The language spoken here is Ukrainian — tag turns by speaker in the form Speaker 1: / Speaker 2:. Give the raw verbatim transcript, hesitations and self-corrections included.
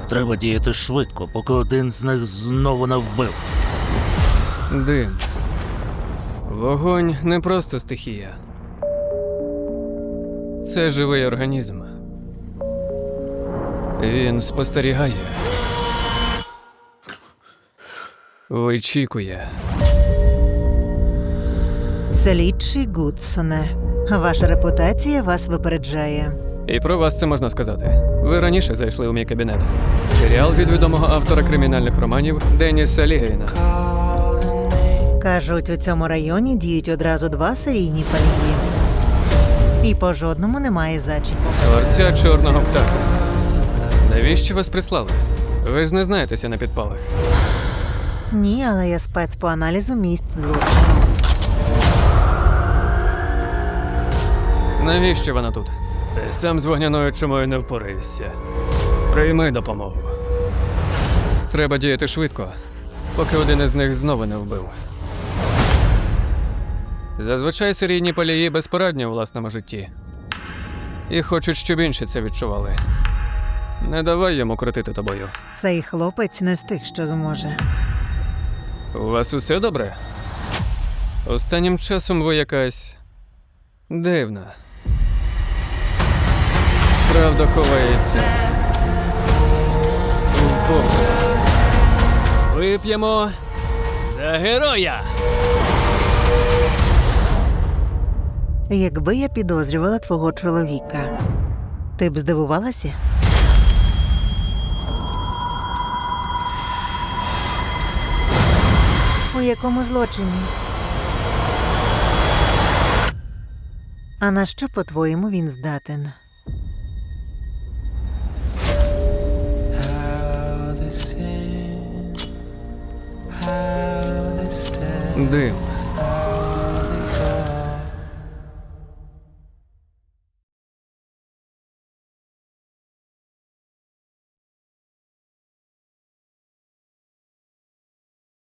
Speaker 1: Треба діяти швидко, поки один з них знову не вбив.
Speaker 2: Дим. Вогонь не просто стихія. Це живий організм. Він спостерігає. Вичікує.
Speaker 3: Слідчий Гудсоне, ваша репутація вас випереджає.
Speaker 2: І про вас це можна сказати. Ви раніше зайшли у мій кабінет. Серіал від відомого автора кримінальних романів Деніса Лігейна.
Speaker 3: Кажуть, у цьому районі діють одразу два серійні палії. І по жодному немає зачіпу.
Speaker 2: Творця чорного птаха. Навіщо вас прислали? Ви ж не знаєтеся на підпалах.
Speaker 3: Ні, але я спец по аналізу місць злочину.
Speaker 2: Навіщо вона тут? Ти сам з вогняною чумою не впораєшся. Прийми допомогу. Треба діяти швидко, поки один із них знову не вбив. Зазвичай серійні палії безпорадні у власному житті. І хочуть, щоб інші це відчували. Не давай йому крутити тобою.
Speaker 3: Цей хлопець не з тих, що зможе.
Speaker 2: У вас усе добре? Останнім часом ви якась дивна. Правда ховається в Богу. Вип'ємо за героя!
Speaker 3: Якби я підозрювала твого чоловіка, ти б здивувалася? У якому злочині? А на що, по-твоєму, він здатен?
Speaker 2: Дим.